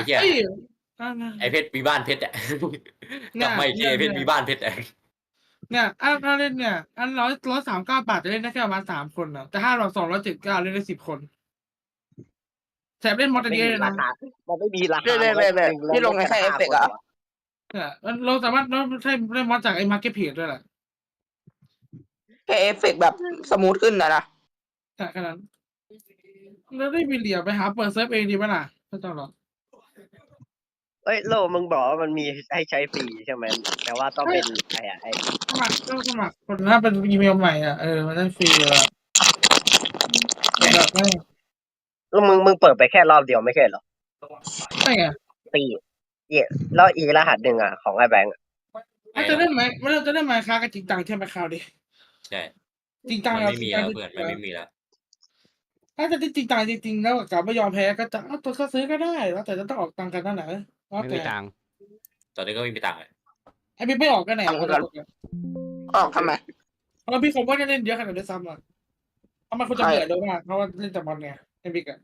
เหี้ยเฮ้ยไอ้เพชรมีบ้านเพชรอะกเนี่ลับยมาอีกทีเนี่ยไอ้เพชรมีบ้านเพชรอะเนี่ยถ้าเล่นเนี่ย อัน139 บาทจะเล่นได้แค่ประมาณ3 คนน่ะ แต่ถ้าเรา279เล่นได้10 คน แถมเล่นมอดได้เยอะเลยรานะคามันไม่มีราคาเนี่ยพี่ลงในแค่เอฟเฟกต์เหรอเนี่ยเราสามารถใช้เล่นมอดจากไอ้ Marketplace ด้วยแหละแค่เอฟเฟกต์แบบสมูทขึ้นนะใช่แค่นั้น แล้วได้มีเหลี่ยมไปหาเปิดเซิร์ฟเองดีไหมล่ะไม่ต้องหรอกเอ้ยโลมึงบอกว่ามันมีให้ใช้ฟรีใช่ไหมแต่ว่าต้องเป็นไอ้สมัครต้องสมัครคนถ้าเป็นอีเมลใหม่อ่ะมันได้ฟรีเลยอะแบบไม่แล้วมึงเปิดไปแค่รอบเดียวไม่ใช่เหรอใช่ไงปีแล้วอีรหัสหนึ่งอ่ะของไอ้แบงค์มันจะเล่นไหมมันจะเล่นไหมค้ากันจริงจังใช่ไหมคราวดิใช่จริงจังมันแล้วไม่มีแล้วเพื่อนมันไม่มีแล้วถ้าจะจริงจังจริงๆแล้วกลับไม่ยอมแพ้ก็จะเอาตัวก็ซื้อก็ได้แล้วแต่จะต้องออกตังค์กันนั่นแหละแล้วไม่แต่มีตังค์ตอนนี้ก็ไม่มีตังค์เลยไอ้พี่ไม่ออกกันไหนอ๋อทำไมเพราะพี่ผมว่าจะเล่นเยอะขนาดนี้ซ้ำอ่ะเพราะมันควรจะเบื่อเร็วมากเพราะว่าเล่นแต่บอลไงไอ้บิ๊กอะ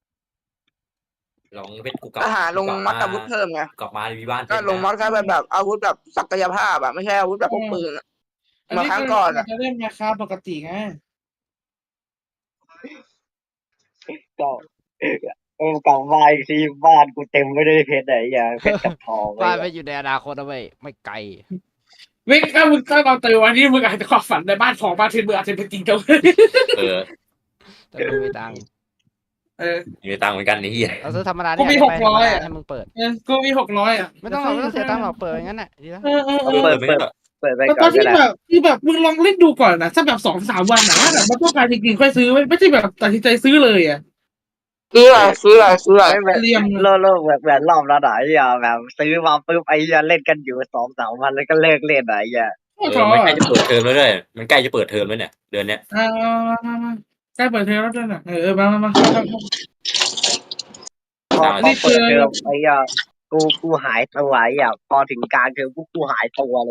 ลองเพชรกูกลับก็หาลงมอดอาวุธเพิ่มไงกลับมามีบ้านเพก็ชรลงมอดแค่แบบอาวุธแบบศักยภาพอะไม่ใช่อาวุธแบบพวกปืนอะอันมานี้ครั้งก่อนอะจะเล่นมาค้าปกติไงก็กลับมาอีกทีบ้านกูเต็มไปด้วยเพชรไหนอย่างเพชรกับทองบ้านไปอยู่ในอนาคตนะเว้ยไม่ไกลวิ่งถ้ามึงถ้าเราตื่นวันนี้มึงอาจจะความฝันในบ้านของบ้านเทนมึงอาจจะเป็นจริงเจ้าเออแต่ไม่มีตังค์มีตังค์เหมือนกันนี่เหี้ยเราซื้อธรรมดากูมีเนี่ยไปธรรม 600 ดาอะให้มึงเปิดกูมี600 อ่ะไม่ต้องเสียตังค์หรอกเปิดอย่างนั้นแหละดีแล้วเปิดไม่ได้เปิดไปแต่ก่ตออน นก็ที่ได้แบบที่แบบมึงลองเล่นดูก่อนนะสักแบบ2-3 วันนะแบบมันต้องการจริงๆค่อยซื้อไม่ใช่แบบตัดสินใจซื้อเลยอ่ะซื้ออะไรไม่แบบเรียมโลกแบบรอบแล้วไหนแบบซื้อมาปุ๊บไอ้เล่นกันอยู่2-3 วันแล้วก็เลิกเล่นไหนมันใกล้จะเปิดเทอมแล้วด้วยมันใกล้จะเปิดเทอมแล้วเนี่ยเดือนเนี้ยมาใกล้เปิดเทอมแล้วด้วยนะมาพอเปิดเทอมไอ้กูหายตัวพอถึงกลางเทอมกูหายตัวเลย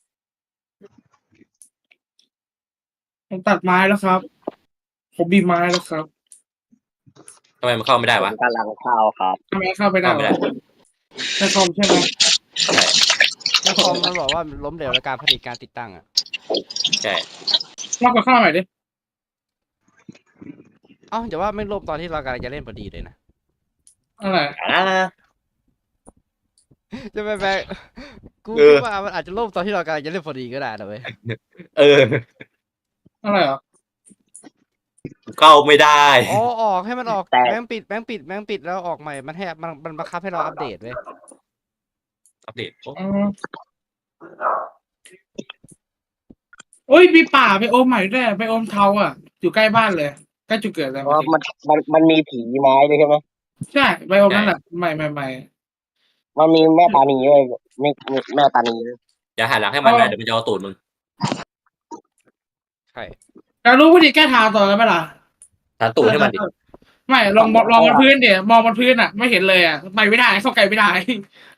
ผมตัดไม้แล้วครับ ผมบีไม้แล้วครับทำไมมันเข้าไม่ได้วะกำลังเข้าครับทำไมเข้าไปได้เข้าไม่ได้ในคอมใช่ไหมใช่แล้วคอมมันบอกว่าล้มเหลวในการผลิตการติดตั้งอ่ะใช่ลองกดเข้าใหม่ดิเอ้าเดี๋ยวว่าไม่ล่มตอนที่เรากำลังจะเล่นพอดีเลยนะอะไรจะไปกูคิดว่ามันอาจจะล่มตอนที่เรากำลังจะเล่นพอดีก็ได้นะเว้ยเอออะไรเหรอเข้าไม่ได้อ๋อออกให้มันออกแต่แบงค์ปิดแล้วออกใหม่มันให้มันบังคับให้เราอัปเดตเว้ยอัปเดตโอ้ยมีป่าไปโอมใหม่ด้วยไปโอมเทาอ่ะอยู่ใกล้บ้านเลยใกล้จุดเกิดเลยเพราะมันมีผีไม้ด้วยใช่ไหมใช่ไปโอมนั่นแหละใหม่มันมีแม่ตานีด้วยนี่แม่ตานีด้วยอย่าหันหลังให้มันนะเดี๋ยวมันจะเอาตูดมึงใช่เรารู้วิธีแก้ทางต่อแล้วไหมล่ะหันตูดให้มันดิไม่ลองบนพื้นเดี๋ยวมองบนพื้นอ่ะ ไม่เห็นเลยอ่ะไปไม่ได้เข้าไกลไม่ได้